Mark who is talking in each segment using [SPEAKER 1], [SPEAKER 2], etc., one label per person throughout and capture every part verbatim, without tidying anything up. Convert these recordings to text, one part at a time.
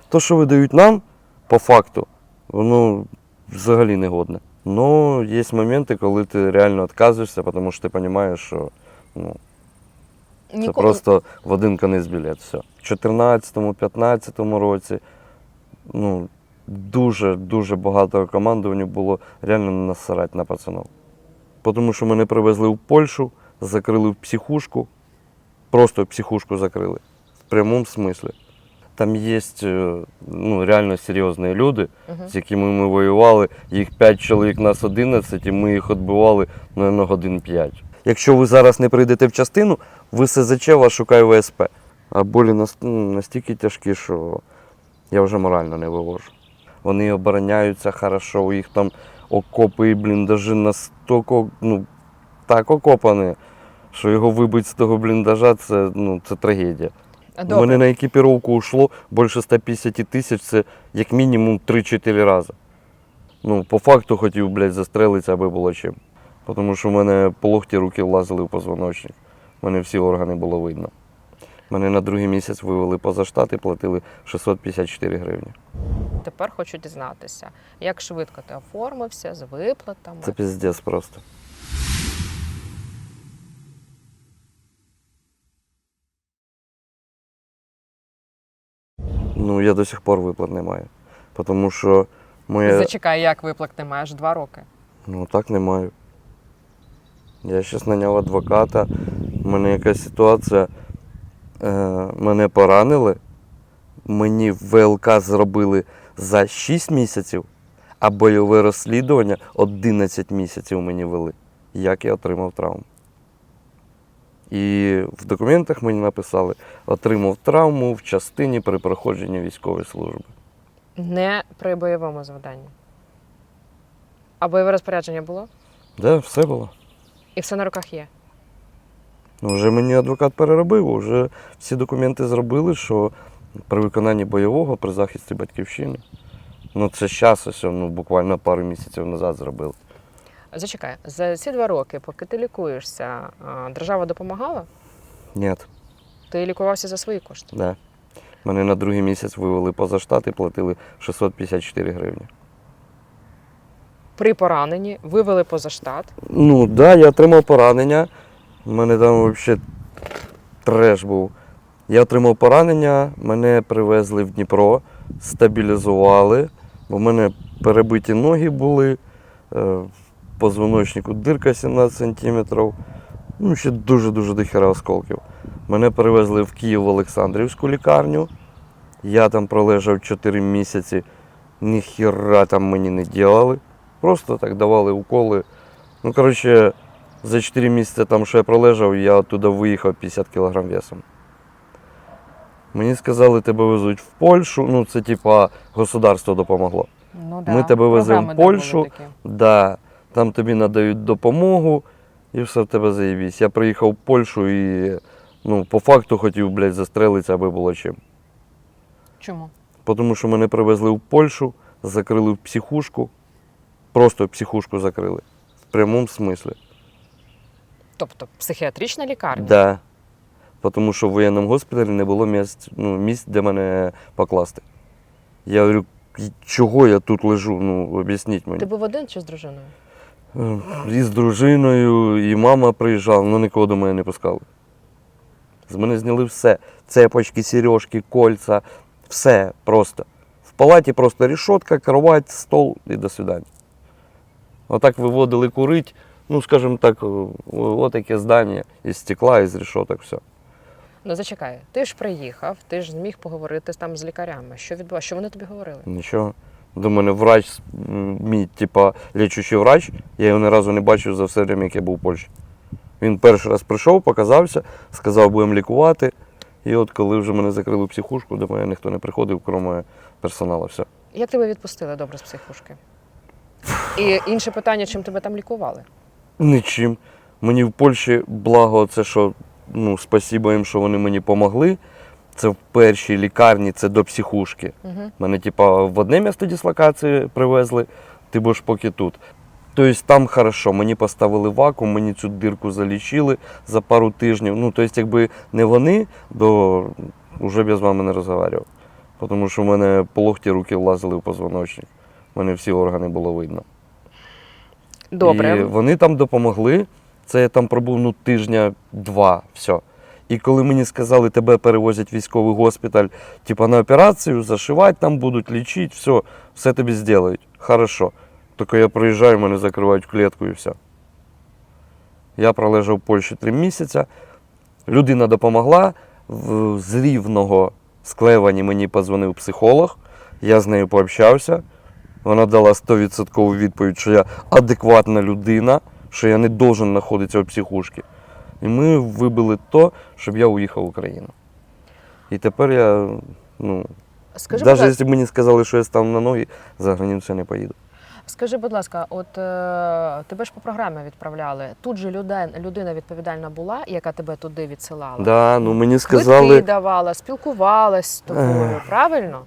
[SPEAKER 1] То, що видають нам, по факту, воно взагалі не годне. Ну, є моменти, коли ти реально відказуєшся, тому що ти розумієш, що ну, це
[SPEAKER 2] Ніколи...
[SPEAKER 1] просто в один конець білет. Все. В чотирнадцятому-п'ятнадцятому році ну, дуже-дуже багато командування було реально насрать на пацанів. Тому що мене привезли в Польщу, закрили в психушку, просто психушку закрили, в прямому смислі. Там є ну, реально серйозні люди,
[SPEAKER 2] Угу.
[SPEAKER 1] з якими ми воювали, їх п'ять чоловік, нас одинадцять, і ми їх відбивали, мабуть, годин п'ять. Якщо ви зараз не прийдете в частину, в ес зет че вас шукає ве ес пе. А болі настільки тяжкі, що я вже морально не вивожу. Вони обороняються хорошо, у їх там окопи і бліндажі настільки, ну, так окопані, що його вибити з того бліндажа, це, ну, це трагедія.
[SPEAKER 2] Добре.
[SPEAKER 1] У мене на екіпіровку йшло більше ста п'ятдесят тисяч, це як мінімум три-чотири рази. Ну, по факту хотів, блядь, застрелитися, аби було чим. Тому що в мене по локті руки влазили в позвоночник. У мене всі органи було видно. Мене на другий місяць вивели поза штат і платили шістсот п'ятдесят чотири гривні.
[SPEAKER 2] Тепер хочу дізнатися, як швидко ти оформився, з виплатами?
[SPEAKER 1] Це піздець просто. Ну, я до сих пор виплат не маю. Тому що моє...
[SPEAKER 2] Зачекай, як виплат не маєш? Два роки.
[SPEAKER 1] Ну, так не маю. Я зараз наняв адвоката, в мене якась ситуація, е, мене поранили, мені ве ел ка зробили за шість місяців, а бойове розслідування одинадцять місяців мені вели, як я отримав травму. І в документах мені написали, отримав травму в частині при проходженні військової служби.
[SPEAKER 2] Не при бойовому завданні. А бойове розпорядження було?
[SPEAKER 1] Так, да, все було.
[SPEAKER 2] І все на руках є?
[SPEAKER 1] Ну, вже мені адвокат переробив, вже всі документи зробили, що при виконанні бойового, при захисті батьківщини. Ну, це зараз, ось, ну, буквально пару місяців назад зробили.
[SPEAKER 2] Зачекай, за ці два роки, поки ти лікуєшся, держава допомагала?
[SPEAKER 1] Ні.
[SPEAKER 2] Ти лікувався за свої кошти?
[SPEAKER 1] Да. Мене на другий місяць вивели поза штат і платили шістсот п'ятдесят чотири гривні.
[SPEAKER 2] При пораненні вивели поза штат?
[SPEAKER 1] Ну, так, да, я отримав поранення. У мене там взагалі треш був. Я отримав поранення, мене привезли в Дніпро, стабілізували, бо в мене перебиті ноги були, в позвоночнику дирка сімнадцять сантиметрів, ну, ще дуже-дуже дохера осколків. Мене перевезли в Київ в Олександрівську лікарню, я там пролежав чотири місяці, ніхіра там мені не робили, просто так давали уколи. Ну, коротше, за чотири місяці там, що я пролежав, я оттуда виїхав п'ятдесят кілограм весом. Мені сказали, тебе везуть в Польщу, ну це типа государство допомогло.
[SPEAKER 2] Ну, да.
[SPEAKER 1] Ми тебе веземо в
[SPEAKER 2] Програми, да,
[SPEAKER 1] Польщу,
[SPEAKER 2] були такі.
[SPEAKER 1] да, там тобі надають допомогу і все в тебе заєбісь. Я приїхав в Польщу і ну, по факту хотів, блядь, застрелитися, аби було чим.
[SPEAKER 2] Чому?
[SPEAKER 1] Тому що мене привезли в Польщу, закрили в психушку, просто психушку закрили, в прямому смислі.
[SPEAKER 2] Тобто психіатрична лікарня?
[SPEAKER 1] Да. Тому що в воєнному госпіталі не було місць, ну, місць, де мене покласти. Я говорю, чого я тут лежу, ну, об'ясніть мені.
[SPEAKER 2] Ти був один чи з дружиною?
[SPEAKER 1] І з дружиною, і мама приїжджала, але нікого до мене не пускали. З мене зняли все. Цепочки, сережки, кольця, все просто. В палаті просто рішотка, кровать, стол і до свидання. Отак виводили курить, ну, скажімо так, отаке здання із стекла, із рішоток, все.
[SPEAKER 2] Ну, зачекай, ти ж приїхав, ти ж зміг поговорити там з лікарями. Що відбувалося? Що вони тобі говорили?
[SPEAKER 1] Нічого. До мене врач, мій, типа, лічучий врач, я його ні разу не бачив за все время, як я був в Польщі. Він перший раз прийшов, показався, сказав, будемо лікувати. І от коли вже мене закрили в психушку, до мене ніхто не приходив, крім персоналу, все.
[SPEAKER 2] Як тебе відпустили добре з психушки? І інше питання, чим тебе там лікували?
[SPEAKER 1] Нічим. Мені в Польщі благо це, що, ну, спасибо їм, що вони мені допомогли. Це в першій лікарні, це до психушки.
[SPEAKER 2] Угу.
[SPEAKER 1] Мене, типа, в одне місце дислокації привезли, ти будеш поки тут. Тобто там хорошо, мені поставили вакуум, мені цю дирку залічили за пару тижнів. Ну, тобто, якби не вони, то вже б я з вами не розмовляв. Тому що в мене по локті руки влазили в позвоночник. У мене всі органи було видно.
[SPEAKER 2] Добре.
[SPEAKER 1] І вони там допомогли. Це я там пробув ну, тижня-два, все. І коли мені сказали, тебе перевозять в військовий госпіталь, типа на операцію, зашивати там будуть, лічити, все, все тобі зроблять. Хорошо. Тільки я приїжджаю, мене закривають в клітку і все. Я пролежав в Польщі три місяці. Людина допомогла. В- З Рівного, з Клевані мені подзвонив психолог. Я з нею пообщався. Вона дала сто відсотків відповідь, що я адекватна людина, що я не должен знаходитися в психушці. І ми вибили то, щоб я уїхав в Україну. І тепер я, ну,
[SPEAKER 2] Скажи, будь
[SPEAKER 1] навіть
[SPEAKER 2] ласка,
[SPEAKER 1] якщо б мені сказали, що я стану на ноги, за границю я не поїду.
[SPEAKER 2] скажи, будь ласка, от е, тебе ж по програмі відправляли. Тут же людина, людина відповідальна була, яка тебе туди відсилала?
[SPEAKER 1] Да, ну мені
[SPEAKER 2] Квитки
[SPEAKER 1] сказали,
[SPEAKER 2] давала, спілкувалась з тобою,
[SPEAKER 1] Ех.
[SPEAKER 2] правильно?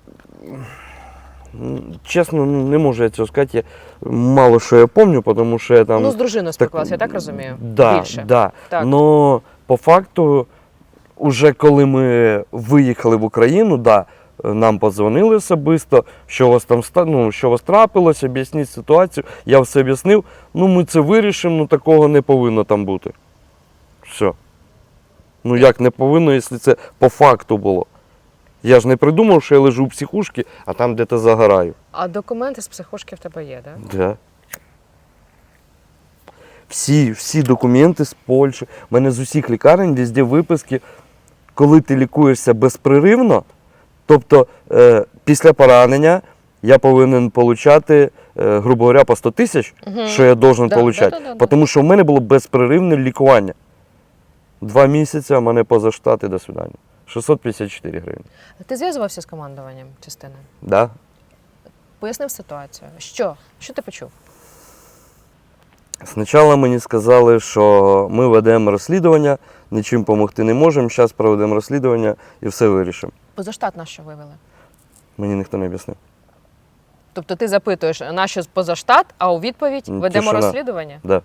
[SPEAKER 1] м, чесно, ну, не можу я цього сказати. Я, мало що я пам'ятаю, тому що я там...
[SPEAKER 2] Ну, з дружиною спілкувалася, я так розумію?
[SPEAKER 1] Да,
[SPEAKER 2] Більше.
[SPEAKER 1] да.
[SPEAKER 2] Так.
[SPEAKER 1] Но по факту, уже коли ми виїхали в Україну, да, нам подзвонили особисто, що у вас там ста- ну, що у вас трапилось, об'ясніть ситуацію. Я все об'яснив. Ну, ми це вирішимо, ну такого не повинно там бути. Все. Ну як не повинно, якщо це по факту було. Я ж не придумав, що я лежу в психушці, а там де-то загораю.
[SPEAKER 2] А документи з психушки в тебе є, так? Да?
[SPEAKER 1] Да. Всі, всі документи з Польщі. У мене з усіх лікарень везде виписки, коли ти лікуєшся безпреривно, тобто е, після поранення я повинен отримати, е, грубо говоря, по сто тисяч,
[SPEAKER 2] Мгм.
[SPEAKER 1] що я должен
[SPEAKER 2] Да,
[SPEAKER 1] отримати.
[SPEAKER 2] да, да, да, да.
[SPEAKER 1] Тому що в мене було безперервне лікування. Два місяці, а мене поза штат і до свидання. шістсот п'ятдесят чотири гривні.
[SPEAKER 2] Ти зв'язувався з командуванням частини?
[SPEAKER 1] Да?
[SPEAKER 2] Пояснив ситуацію. Що? Що ти почув?
[SPEAKER 1] Спочатку мені сказали, що ми ведемо розслідування, нічим допомогти не можемо, зараз проведемо розслідування і все вирішимо.
[SPEAKER 2] Позаштат на що вивели?
[SPEAKER 1] Мені ніхто не об'яснив.
[SPEAKER 2] Тобто ти запитуєш, на що позаштат, а у відповідь
[SPEAKER 1] М,
[SPEAKER 2] ведемо
[SPEAKER 1] тишина.
[SPEAKER 2] розслідування?
[SPEAKER 1] Да.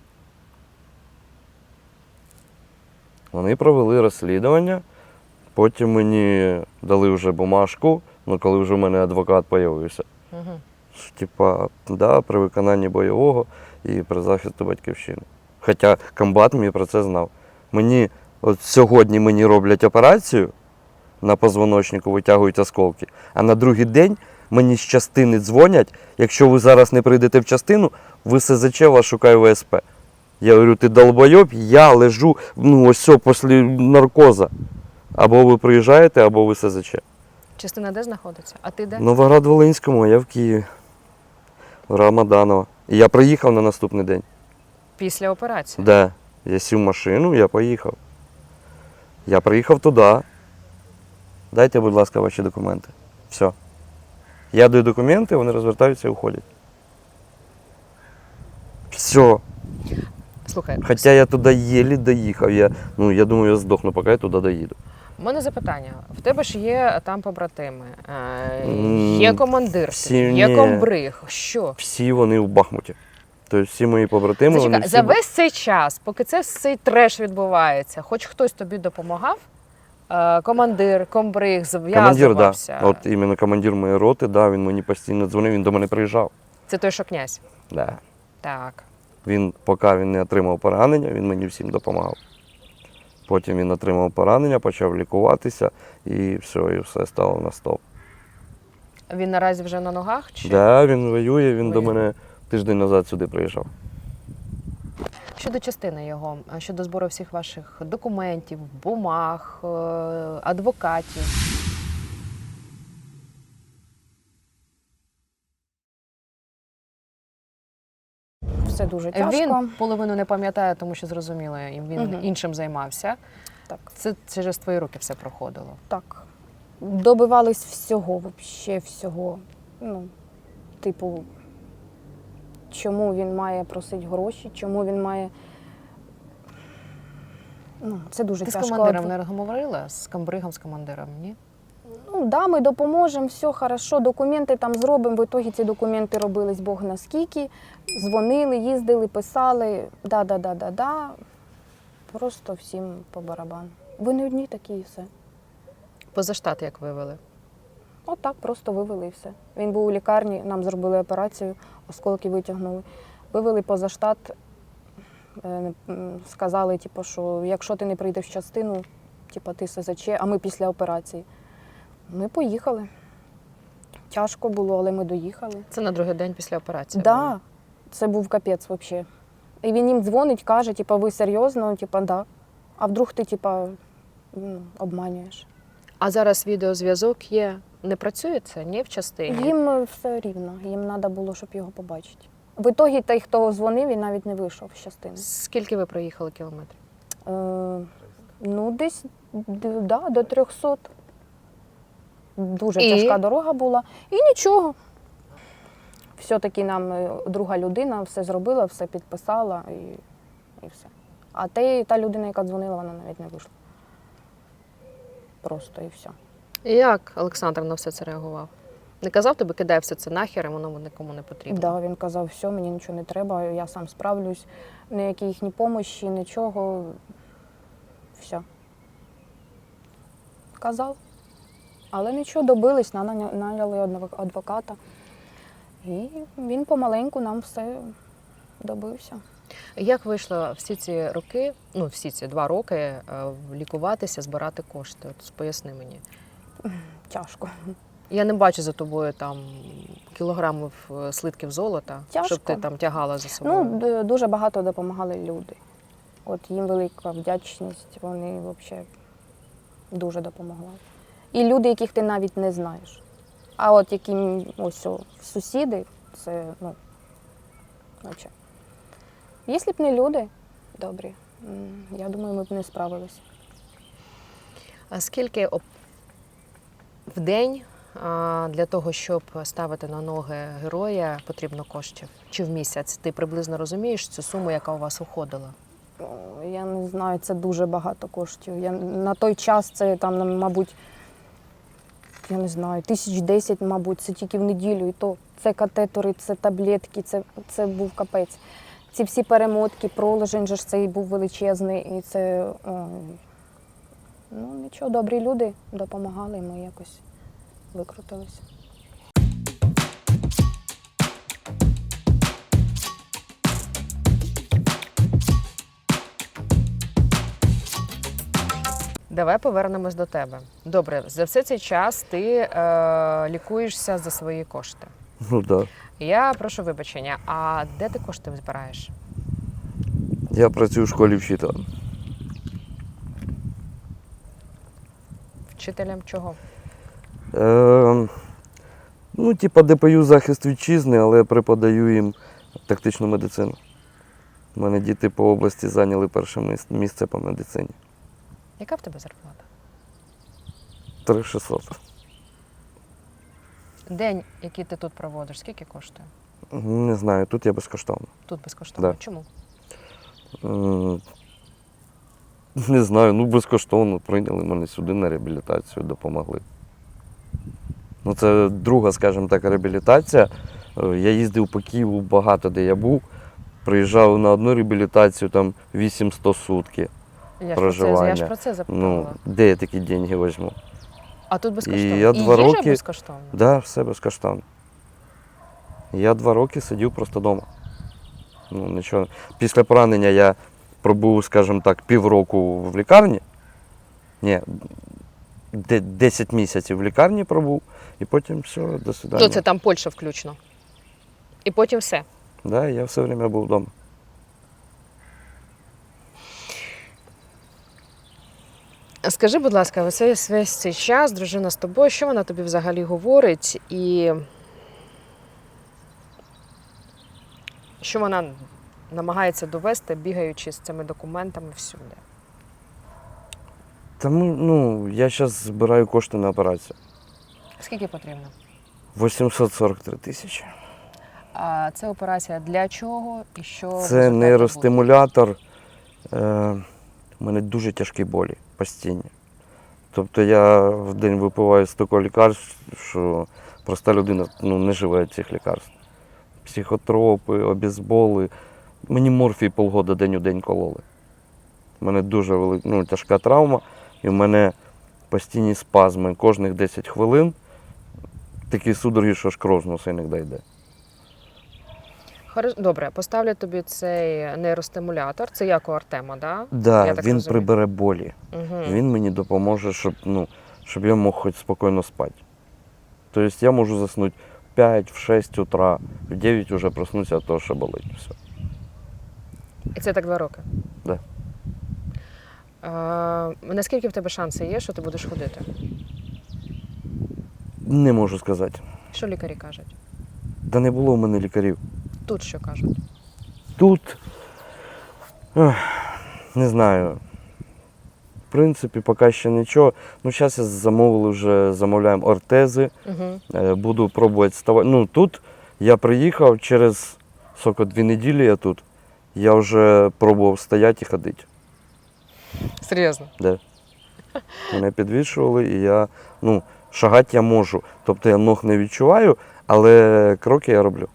[SPEAKER 1] Вони провели розслідування, потім мені дали вже бумажку, ну коли вже в мене адвокат з'явився.
[SPEAKER 2] Угу.
[SPEAKER 1] Що, Типа, да, при виконанні бойового і при захисті батьківщини. Хоча комбат мені про це знав. Мені, от сьогодні мені роблять операцію, на позвоночнику витягують осколки, а на другий день мені з частини дзвонять, якщо ви зараз не прийдете в частину, в СЗЧ вас шукає В С П. Я говорю, ти долбойоб, я лежу, ну ось все, після наркоза. Або ви приїжджаєте, або ви С З Ч.
[SPEAKER 2] Частина де знаходиться? А ти де?
[SPEAKER 1] Новоград-Волинському, а я в Києві. В Рамаданова. І я приїхав на наступний день.
[SPEAKER 2] Після операції.
[SPEAKER 1] Да. Я сів в машину, я поїхав. Я приїхав туди. Дайте, будь ласка, ваші документи. Все. Я даю документи, вони розвертаються і уходять. Все.
[SPEAKER 2] Слухай,
[SPEAKER 1] Хоча я туди єлі доїхав. Я, ну, я думаю, я здохну, поки я туди доїду.
[SPEAKER 2] у мене запитання. В тебе ж є там побратими, е,
[SPEAKER 1] М,
[SPEAKER 2] є командир,
[SPEAKER 1] всі
[SPEAKER 2] є
[SPEAKER 1] ні.
[SPEAKER 2] комбриг. Що?
[SPEAKER 1] Всі вони в Бахмуті. Тобто всі мої побратими, вони
[SPEAKER 2] Зачекай,
[SPEAKER 1] всі...
[SPEAKER 2] за весь цей час, поки це цей треш відбувається, хоч хтось тобі допомагав? Е, командир, комбриг,
[SPEAKER 1] Командир, да.
[SPEAKER 2] зв'язувався.
[SPEAKER 1] От іменно командир моєї роти, да, він мені постійно дзвонив, він до мене приїжджав.
[SPEAKER 2] Це той, що князь.
[SPEAKER 1] Да.
[SPEAKER 2] Так.
[SPEAKER 1] Він, поки він не отримав поранення, він мені всім допомагав. Потім він отримав поранення, почав лікуватися і все, і все стало на стоп.
[SPEAKER 2] Він наразі вже на ногах? Чи?
[SPEAKER 1] Да, він воює, він до
[SPEAKER 2] Воює.
[SPEAKER 1] мене тиждень назад сюди приїжджав.
[SPEAKER 2] Щодо частини його, а щодо збору всіх ваших документів, бумаг, е, адвокатів.
[SPEAKER 3] Все дуже тяжко.
[SPEAKER 2] Він половину не пам'ятає, тому що зрозуміло, і він
[SPEAKER 3] Мгм.
[SPEAKER 2] іншим займався.
[SPEAKER 3] Так.
[SPEAKER 2] Це через твої руки все проходило.
[SPEAKER 3] Так. Добивались всього, взагалі всього. Ну, типу, чому він має просити гроші, чому він має. Ну, це дуже
[SPEAKER 2] Ти з
[SPEAKER 3] тяжко.
[SPEAKER 2] командиром не говорила? З комбригом, з командиром, ні?
[SPEAKER 3] Ну, да, ми допоможемо, все хорошо, документи там зробимо. В ітогі ці документи робились Бог наскільки. Дзвонили, їздили, писали. Да-да-да-да-да. Просто всім по барабану. Ви не одні такі і все.
[SPEAKER 2] Поза штат як вивели?
[SPEAKER 3] Отак просто вивели і все. Він був у лікарні, нам зробили операцію, осколки витягнули. Вивели поза штат, е, м, сказали, типу, що якщо ти не прийдеш в частину, типу, ти СЗЧ, а ми після операції. Ми поїхали. Тяжко було, але ми доїхали.
[SPEAKER 2] Це на другий день після операції.
[SPEAKER 3] Так,
[SPEAKER 2] було?
[SPEAKER 3] да, це був капець взагалі. І він їм дзвонить, каже, типу, ви серйозно? Типу, да. А вдруг ти, типу, ну, обманюєш?
[SPEAKER 2] А зараз відеозв'язок є. Не працює це? Ні, в частині?
[SPEAKER 3] Їм е, все рівно, їм треба було, щоб його побачити. В ітогі той, хто дзвонив, він навіть не вийшов з частини.
[SPEAKER 2] Скільки ви проїхали кілометрів?
[SPEAKER 3] Е, ну, десь д- да, до трьохсот. Дуже
[SPEAKER 2] І?
[SPEAKER 3] тяжка дорога була. І нічого. Все-таки нам е, друга людина все зробила, все підписала і, і все. А те, та людина, яка дзвонила, вона навіть не вийшла. Просто і все.
[SPEAKER 2] І як Олександр на все це реагував? Не казав тобі, кидай все це нахер, і воно нікому не потрібно?
[SPEAKER 3] Да, він казав, все, мені нічого не треба, я сам справлюсь, ніякі їхні помощі, нічого. Все. Казав. Але нічого, добились, наня- наняли одного адвоката. І він помаленьку нам все добився.
[SPEAKER 2] Як вийшло всі ці роки, ну всі ці два роки, е, лікуватися, збирати кошти? От поясни мені.
[SPEAKER 3] Тяжко.
[SPEAKER 2] Я не бачу за тобою там кілограмів е, слитків золота,
[SPEAKER 3] Тяжко.
[SPEAKER 2] щоб ти там тягала за собою.
[SPEAKER 3] Ну, д- дуже багато допомагали люди. От їм велика вдячність, вони взагалі дуже допомогли. І люди, яких ти навіть не знаєш. А от які м, ось о, сусіди, це, ну, взагалі. Якщо б не люди добрі, м, я думаю, ми б не справилися.
[SPEAKER 2] А скільки оп- в день а, для того, щоб ставити на ноги героя, потрібно коштів? Чи в місяць? Ти приблизно розумієш цю суму, яка у вас уходила?
[SPEAKER 3] О, Я не знаю, це дуже багато коштів. Я, на той час це там, ну, мабуть, я не знаю, тисяч десять, мабуть, це тільки в неділю. І то це катетори, це таблетки, це, це був капець. Ці всі перемотки, проложень же ж цей був величезний. І це, ой, ну нічого, добрі люди допомагали, і ми якось викрутилися.
[SPEAKER 2] Давай повернемось до тебе. Добре, за все цей час ти е, лікуєшся за свої кошти.
[SPEAKER 1] Ну так. Да.
[SPEAKER 2] Я прошу вибачення, а де ти кошти збираєш?
[SPEAKER 1] Я працюю в школі вчителем.
[SPEAKER 2] Вчителем чого?
[SPEAKER 1] Е, ну, типа ДПЮ захист вітчизни, але преподаю їм тактичну медицину. У мене діти по області зайняли перше мис- місце по медицині.
[SPEAKER 2] Яка в тебе зарплата?
[SPEAKER 1] три тисячі шістсот.
[SPEAKER 2] День, який ти тут проводиш, скільки коштує?
[SPEAKER 1] Не знаю, тут я безкоштовно.
[SPEAKER 2] Тут безкоштовно.
[SPEAKER 1] Да.
[SPEAKER 2] Чому?
[SPEAKER 1] М, Не знаю, ну безкоштовно прийняли мене сюди на реабілітацію, допомогли. Ну, це друга, скажімо так, реабілітація. Е, Я їздив по Києву багато, де я був. Приїжджав на одну реабілітацію, там вісімсот сутки.
[SPEAKER 2] Я ж, про це, я
[SPEAKER 1] Проживання.
[SPEAKER 2] ж про це
[SPEAKER 1] Ну,
[SPEAKER 2] запитала.
[SPEAKER 1] де я такі деньги візьму?
[SPEAKER 2] А тут безкоштовно.
[SPEAKER 1] я
[SPEAKER 2] І
[SPEAKER 1] два
[SPEAKER 2] їжа
[SPEAKER 1] роки-
[SPEAKER 2] безкоштовна?
[SPEAKER 1] Так, да, все безкоштовно. Я два роки сидів просто вдома. Ну, нічого. Після поранення я пробув, скажімо так, півроку в лікарні. Ні, де- десять місяців в лікарні пробув, і потім все, до свидання.
[SPEAKER 2] То це там Польща включно. І потім все.
[SPEAKER 1] Да, я все время був вдома.
[SPEAKER 2] Скажи, будь ласка, ось весь, весь цей час дружина з тобою, що вона тобі взагалі говорить? І що вона намагається довести, бігаючи з цими документами всюди?
[SPEAKER 1] Тому, ну, я зараз збираю кошти на операцію.
[SPEAKER 2] Скільки потрібно?
[SPEAKER 1] вісімсот сорок три тисячі.
[SPEAKER 2] А це операція для чого і що? в
[SPEAKER 1] Це
[SPEAKER 2] результаті
[SPEAKER 1] нейростимулятор. Е, у мене дуже тяжкі болі постійні. Тобто я в день випиваю стільки лікарств, що проста людина ну, не живе від цих лікарств. Психотропи, обезболи. Мені морфій полгода день у день кололи. У мене дуже велика, ну, тяжка травма, і в мене постійні спазми. Кожних десять хвилин такі судороги, що аж кров з носа іноді йде.
[SPEAKER 2] Хорош- Добре, поставлю тобі цей нейростимулятор. Це як у Артема, да?
[SPEAKER 1] Да,
[SPEAKER 2] Я так
[SPEAKER 1] він
[SPEAKER 2] розумію.
[SPEAKER 1] прибере болі.
[SPEAKER 2] Угу.
[SPEAKER 1] Він мені допоможе, щоб, ну, щоб я мог хоч спокійно спати. Тобто я можу заснути в п'ять, в шість утра, в дев'ять вже проснуся від того, що болить. Все.
[SPEAKER 2] І це так два роки?
[SPEAKER 1] Да.
[SPEAKER 2] А, наскільки в тебе шанси є, що ти будеш ходити?
[SPEAKER 1] Не можу сказати.
[SPEAKER 2] Що лікарі кажуть?
[SPEAKER 1] Та не було в мене лікарів.
[SPEAKER 2] Тут що кажуть?
[SPEAKER 1] Тут, ех, не знаю, в принципі, поки ще нічого. Ну, зараз я замовили вже, замовляємо ортези,
[SPEAKER 2] Угу.
[SPEAKER 1] е, буду пробувати ставати. Ну, тут я приїхав через, скільки, дві неділі я тут, я вже пробував стояти і ходити.
[SPEAKER 2] Серйозно?
[SPEAKER 1] Де? Мене підвішували і я, ну, шагати я можу. Тобто я ног не відчуваю, але кроки я роблю.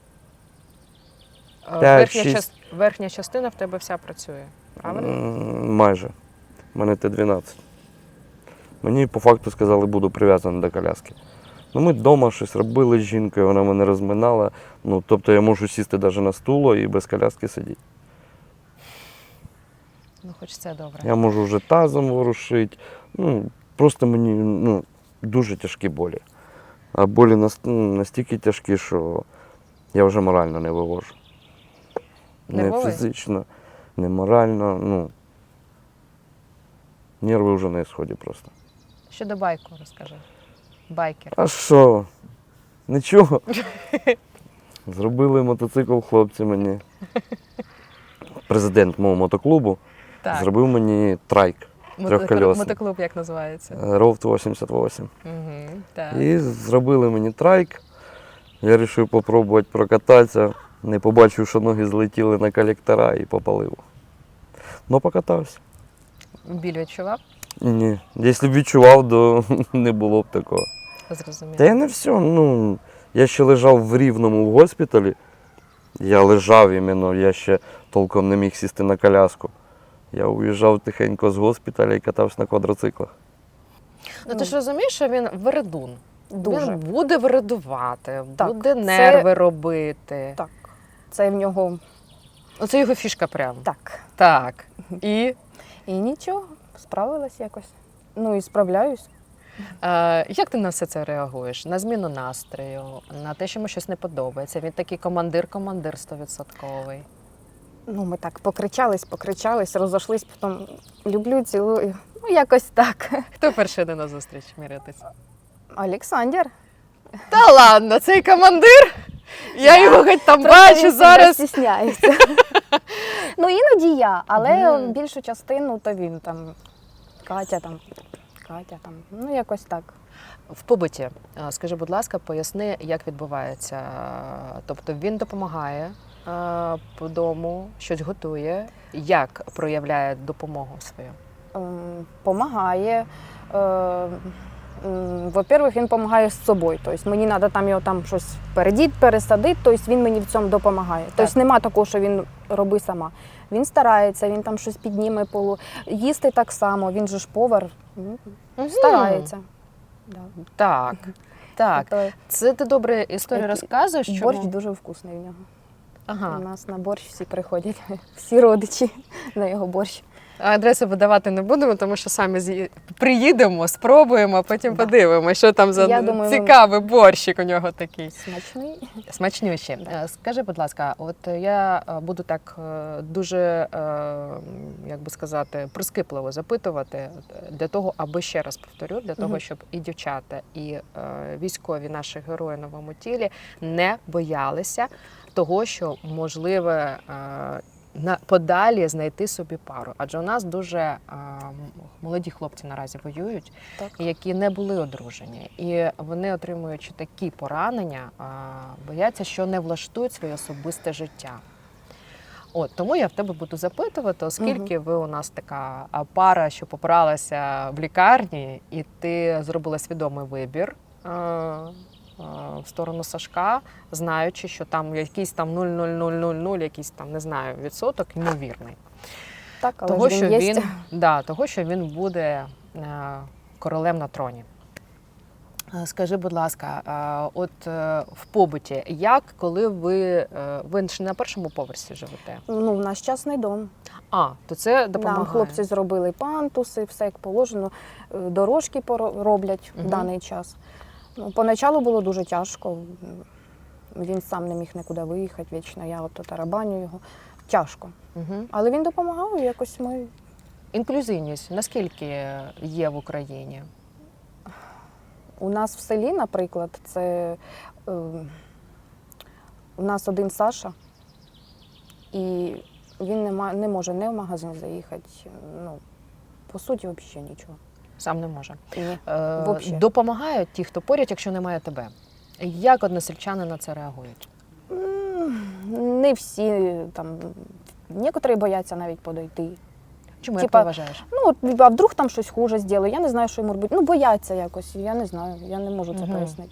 [SPEAKER 2] А,
[SPEAKER 1] П'ять,
[SPEAKER 2] Верхня,
[SPEAKER 1] шість.
[SPEAKER 2] част... Верхня частина в тебе вся працює, правильно?
[SPEAKER 1] М, Майже. У мене Т дванадцять. Мені по факту сказали, буду прив'язаний до коляски. Ну, ми вдома щось робили з жінкою, вона мене розминала. Ну, тобто я можу сісти навіть на стуло і без коляски сидіти.
[SPEAKER 2] Ну, хоч це добре.
[SPEAKER 1] Я можу вже тазом ворушити. Ну, просто мені, ну, дуже тяжкі болі. А болі нас- ну, настільки тяжкі, що я вже морально не вивожу. Не
[SPEAKER 2] Нервовий?
[SPEAKER 1] фізично, не морально. Ну, нерви вже на ісході просто.
[SPEAKER 2] Щодо байку розкажи. Байкер.
[SPEAKER 1] А що? Нічого. Зробили мотоцикл хлопці мені. Президент мого мотоклубу зробив мені трайк трьохкольосний.
[SPEAKER 2] Мотоклуб як називається?
[SPEAKER 1] Роуд вісімдесят вісім.
[SPEAKER 2] Угу. Так.
[SPEAKER 1] І зробили мені трайк. Я вирішив спробувати прокататися. Не побачив, що ноги злетіли на колектора і попалив. Ну, покатався.
[SPEAKER 2] Біль відчував?
[SPEAKER 1] Ні. Якщо б відчував, то не було б такого.
[SPEAKER 2] Зрозуміло.
[SPEAKER 1] Та я не все. Ну, я ще лежав в Рівному в госпіталі. Я лежав іменно, я ще толком не міг сісти на коляску. Я уїжджав тихенько з госпіталя і катався на квадроциклах.
[SPEAKER 2] Ну ти ж розумієш, що він вередун.
[SPEAKER 3] Дуже.
[SPEAKER 2] Він буде вередувати,
[SPEAKER 3] Так,
[SPEAKER 2] буде
[SPEAKER 3] це-
[SPEAKER 2] нерви робити.
[SPEAKER 3] Так. Це в нього
[SPEAKER 2] Оце його фішка прям.
[SPEAKER 3] так.
[SPEAKER 2] Так. І
[SPEAKER 3] І нічого, справилась якось. Ну і справляюсь.
[SPEAKER 2] е, як ти на все це реагуєш? На зміну настрою, на те, що йому щось не подобається. Він такий командир-командир стовідсотковий.
[SPEAKER 3] Ну, ми так покричались, покричались, розійшлись, потім люблю, цілую. Ну, якось так.
[SPEAKER 2] Хто перший йде на зустріч мірятися?
[SPEAKER 3] Олександр.
[SPEAKER 2] Та ладно, цей командир. Я
[SPEAKER 3] Да.
[SPEAKER 2] його хоч там
[SPEAKER 3] Просто
[SPEAKER 2] бачу
[SPEAKER 3] він
[SPEAKER 2] зараз.
[SPEAKER 3] себе стісняється. Ну, іноді я, але
[SPEAKER 2] Мгм.
[SPEAKER 3] більшу частину то він там. Катя там. Катя там. Ну, якось так.
[SPEAKER 2] В побуті, е, скажи, будь ласка, поясни, як відбувається. Тобто він допомагає е, по дому, щось готує. Як проявляє допомогу свою?
[SPEAKER 3] Ем, Помагає. Е, м, Во-первых, він допомагає з собою. Тобто мені треба там його там щось передіти, пересадити, тобто він мені в цьому допомагає. Тобто нема такого, що він роби сама. Він старається, він там щось підніме полу. Їсти так само, він же ж повар, ну, старається. Да.
[SPEAKER 2] Так, так.
[SPEAKER 3] Тобто
[SPEAKER 2] Це ти добре історію
[SPEAKER 3] Який-
[SPEAKER 2] розказуєш. Чому?
[SPEAKER 3] борщ дуже вкусний в нього.
[SPEAKER 2] Ага.
[SPEAKER 3] У нас на борщ всі приходять, всі родичі на його борщ.
[SPEAKER 2] Адресу видавати не будемо, тому що самі з'ї- приїдемо, спробуємо, а потім
[SPEAKER 3] Да.
[SPEAKER 2] подивимося, що там за
[SPEAKER 3] Я думаю, ви-
[SPEAKER 2] цікавий борщик у нього такий.
[SPEAKER 3] Смачний.
[SPEAKER 2] Смачнющі. Е, Скажи, будь ласка, от я е, буду так е, дуже, е, як би сказати, прискіпливо запитувати е, для того, аби ще раз повторю, для того,
[SPEAKER 3] Мгм.
[SPEAKER 2] щоб і дівчата, і е, військові наші герої на новому тілі не боялися того, що можливе е, на подалі знайти собі пару. Адже у нас дуже е, молоді хлопці наразі воюють,
[SPEAKER 3] Так.
[SPEAKER 2] які не були одружені. І вони, отримуючи такі поранення, а, бояться, що не влаштують своє особисте життя. От, тому я в тебе буду запитувати, оскільки ви у нас така а, пара, що попралася в лікарні, і ти зробила свідомий вибір а, а, в сторону Сашка, знаючи, що там якийсь там нуль нуль нуль нуль нуль, якийсь там, не знаю, відсоток ймовірний.
[SPEAKER 3] Так, але
[SPEAKER 2] Того,
[SPEAKER 3] ж
[SPEAKER 2] що
[SPEAKER 3] він є.
[SPEAKER 2] він, да, того, що він буде е, королем на троні. Е, Скажи, будь ласка, е, от е, в побуті, як, коли ви, е, ви ж не на першому поверсі живете?
[SPEAKER 3] Ну, в наш частний дом.
[SPEAKER 2] А, то це допомагає.
[SPEAKER 3] Нам хлопці зробили пантуси, все як положено, е, дорожки поро- роблять
[SPEAKER 2] Мгм.
[SPEAKER 3] в даний час. Ну, поначалу було дуже тяжко. Він сам не міг нікуди виїхати вічно, я от тарабаню його. Тяжко.
[SPEAKER 2] Угу.
[SPEAKER 3] Але він допомагав, і якось ми.
[SPEAKER 2] Інклюзивність наскільки є в Україні?
[SPEAKER 3] У нас в селі, наприклад, це е, у нас один Саша, і він не, ма- не може не в магазин заїхати. Ну, по суті, взагалі нічого.
[SPEAKER 2] Сам не може.
[SPEAKER 3] Ні.
[SPEAKER 2] Е,
[SPEAKER 3] Вообще.
[SPEAKER 2] допомагають ті, хто поряд, якщо немає тебе. Як односельчани на це реагують?
[SPEAKER 3] М, Не всі там, некоторі бояться навіть подойти.
[SPEAKER 2] Чому, як
[SPEAKER 3] Типа,
[SPEAKER 2] ти вважаєш?
[SPEAKER 3] Ну, от, а вдруг там щось хуже зробили, я не знаю, що йому робити. Ну, бояться якось, я не знаю, я не можу це
[SPEAKER 2] Мгм.
[SPEAKER 3] пояснити.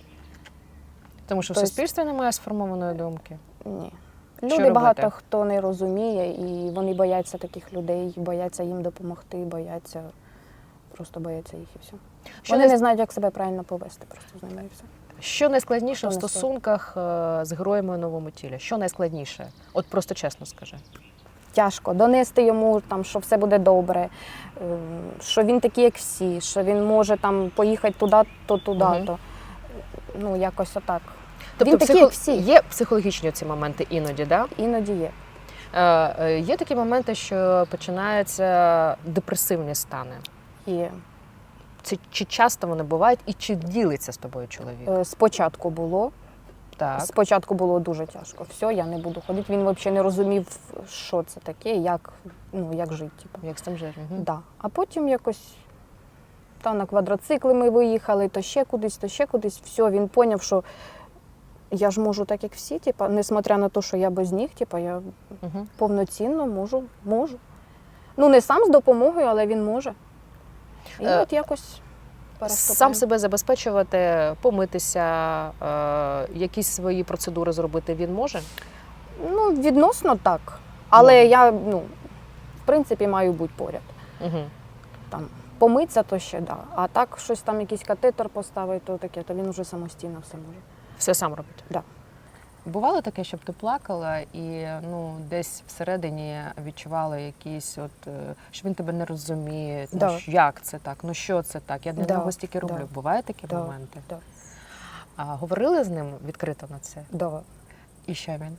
[SPEAKER 2] Тому що в
[SPEAKER 3] тобто-
[SPEAKER 2] суспільстві немає сформованої думки.
[SPEAKER 3] Ні.
[SPEAKER 2] Що
[SPEAKER 3] Люди
[SPEAKER 2] робити?
[SPEAKER 3] багато хто не розуміє, і вони бояться таких людей, бояться їм допомогти, бояться, просто бояться їх і все.
[SPEAKER 2] Що,
[SPEAKER 3] Вони
[SPEAKER 2] най...
[SPEAKER 3] не знають, як себе правильно повести просто з ними і все.
[SPEAKER 2] що найскладніше в
[SPEAKER 3] Хто не
[SPEAKER 2] стосунках е, з героями у новому тілі? Що найскладніше? От просто чесно скажи.
[SPEAKER 3] Тяжко донести йому, там, що все буде добре, ем, що він такий, як всі, що він може там поїхати туди, то туди,
[SPEAKER 2] Мгм.
[SPEAKER 3] то ну якось отак.
[SPEAKER 2] Тобто
[SPEAKER 3] Він такий, як всі.
[SPEAKER 2] є психологічні ці моменти іноді, да?
[SPEAKER 3] Іноді є.
[SPEAKER 2] Е, е, є такі моменти, що починаються депресивні стани.
[SPEAKER 3] І
[SPEAKER 2] Чи, чи часто вони бувають і чи ділиться з тобою чоловік?
[SPEAKER 3] е, спочатку було.
[SPEAKER 2] Так.
[SPEAKER 3] Спочатку було дуже тяжко. Все, я не буду ходити. Він взагалі не розумів, що це таке, як, ну, як жити. Типу.
[SPEAKER 2] Як з тим жити? Мгм.
[SPEAKER 3] Да. А потім якось та на квадроцикли ми виїхали, то ще кудись, то ще кудись. Все, він зрозумів, що я ж можу так, як всі, типу, несмотря на те, що я без них, типу, я
[SPEAKER 2] Мгм.
[SPEAKER 3] повноцінно можу, можу. Ну, не сам з допомогою, але він може. І
[SPEAKER 2] Е,
[SPEAKER 3] от якось переступаємо.
[SPEAKER 2] Сам себе забезпечувати, помитися, е, якісь свої процедури зробити він може?
[SPEAKER 3] Ну, відносно так. Але
[SPEAKER 2] Може.
[SPEAKER 3] я, ну, в принципі, маю бути поряд.
[SPEAKER 2] Угу.
[SPEAKER 3] Там, помитися, то ще да. А так, щось там, якийсь катетер поставити, то таке, то він вже самостійно все може.
[SPEAKER 2] Все сам робить?
[SPEAKER 3] Да.
[SPEAKER 2] Бувало таке, щоб ти плакала і ну, десь всередині відчувала якісь, от, е, що він тебе не розуміє, ну,
[SPEAKER 3] Да.
[SPEAKER 2] що- як це так, ну що це так, я для
[SPEAKER 3] Да,
[SPEAKER 2] нього стільки роблю.
[SPEAKER 3] да.
[SPEAKER 2] Бувають такі
[SPEAKER 3] Да,
[SPEAKER 2] моменти?
[SPEAKER 3] да.
[SPEAKER 2] А говорили з ним відкрито на це?
[SPEAKER 3] Да.
[SPEAKER 2] І що він?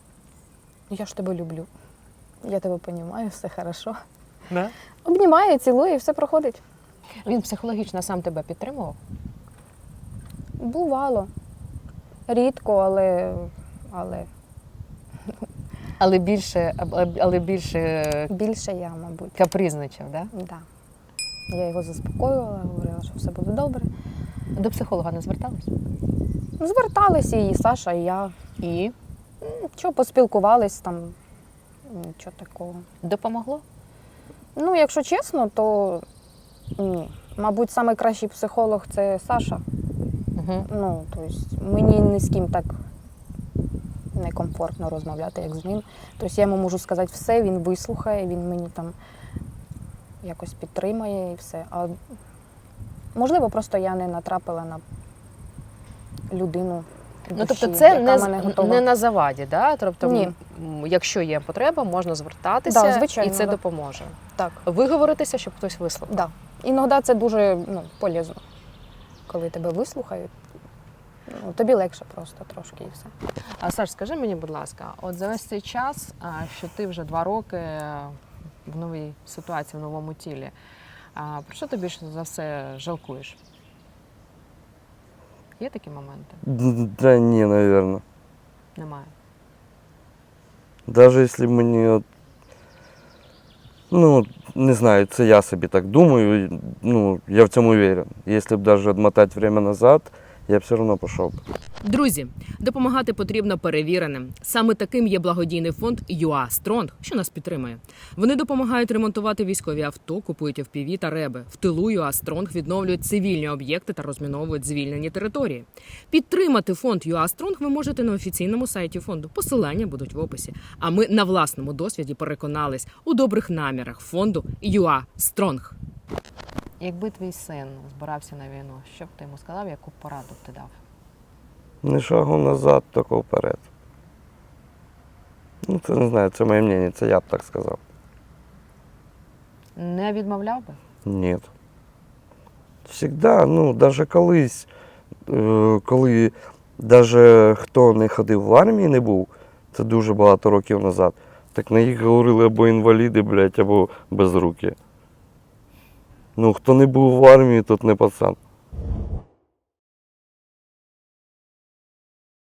[SPEAKER 3] Я ж тебе люблю. Я тебе розумію, все хорошо.
[SPEAKER 2] Да?
[SPEAKER 3] Обнімає, цілує, і все проходить.
[SPEAKER 2] Він психологічно сам тебе підтримував?
[SPEAKER 3] Бувало. Рідко, але, але
[SPEAKER 2] Але більше, але більше
[SPEAKER 3] більше я, мабуть.
[SPEAKER 2] капризничав, да?
[SPEAKER 3] Да. Я його заспокоювала, говорила, що все буде добре.
[SPEAKER 2] До психолога не зверталась?
[SPEAKER 3] Зверталися і Саша, і я.
[SPEAKER 2] І
[SPEAKER 3] Що, поспілкувались там, нічого такого.
[SPEAKER 2] допомогло?
[SPEAKER 3] Ну, якщо чесно, то ні. Мабуть, найкращий психолог це Саша.
[SPEAKER 2] Угу.
[SPEAKER 3] Ну, тобто мені ні з ким так некомфортно розмовляти, як з ним. Тобто я йому можу сказати все, він вислухає, він мені там якось підтримає і все. А можливо, просто я не натрапила на людину.
[SPEAKER 2] Ну,
[SPEAKER 3] душі,
[SPEAKER 2] тобто це
[SPEAKER 3] яка
[SPEAKER 2] не,
[SPEAKER 3] мене
[SPEAKER 2] з-
[SPEAKER 3] готова.
[SPEAKER 2] не на заваді, да? Тобто,
[SPEAKER 3] Ні.
[SPEAKER 2] м, якщо є потреба, можна звертатися,
[SPEAKER 3] Да, звичайно,
[SPEAKER 2] і це
[SPEAKER 3] да.
[SPEAKER 2] допоможе.
[SPEAKER 3] Так,
[SPEAKER 2] Виговоритися, щоб хтось вислухав.
[SPEAKER 3] да. Іноді це дуже ну, полезно, коли тебе вислухають. Ну, тобі легше просто трошки і все.
[SPEAKER 2] А Саш, скажи мені, будь ласка, от за весь цей час, а, що ти вже два роки в новій ситуації, в новому тілі, а, про що ти більше за все жалкуєш? Є такі моменти?
[SPEAKER 1] Да ні, наверное.
[SPEAKER 2] Немає.
[SPEAKER 1] Даже если мені, от, ну, не знаю, це я собі так думаю, і, ну, я в цьому уверен. Якщо б даже отмотати время назад, я б все одно пішов.
[SPEAKER 4] Друзі, допомагати потрібно перевіреним. Саме таким є благодійний фонд ю а Strong, що нас підтримує. Вони допомагають ремонтувати військові авто, купують еф пі ві та реби. В тилу ю а Strong відновлюють цивільні об'єкти та розміновують звільнені території. Підтримати фонд ю а Strong ви можете на офіційному сайті фонду. Посилання будуть в описі. А ми на власному досвіді переконались у добрих намірах фонду ю а Strong.
[SPEAKER 2] Якби твій син збирався на війну, що б ти йому сказав, яку пораду б ти дав?
[SPEAKER 1] Не шагу назад, тільки вперед. Ну, це не знаю, це моє мнення, це я б так сказав.
[SPEAKER 2] Не відмовляв би?
[SPEAKER 1] Ні. Всегда, ну, навіть колись, е, коли навіть хто не ходив в армії, не був, це дуже багато років назад, так на їх говорили або інваліди, блядь, або безрукі. Ну, хто не був в армії, тот не пацан.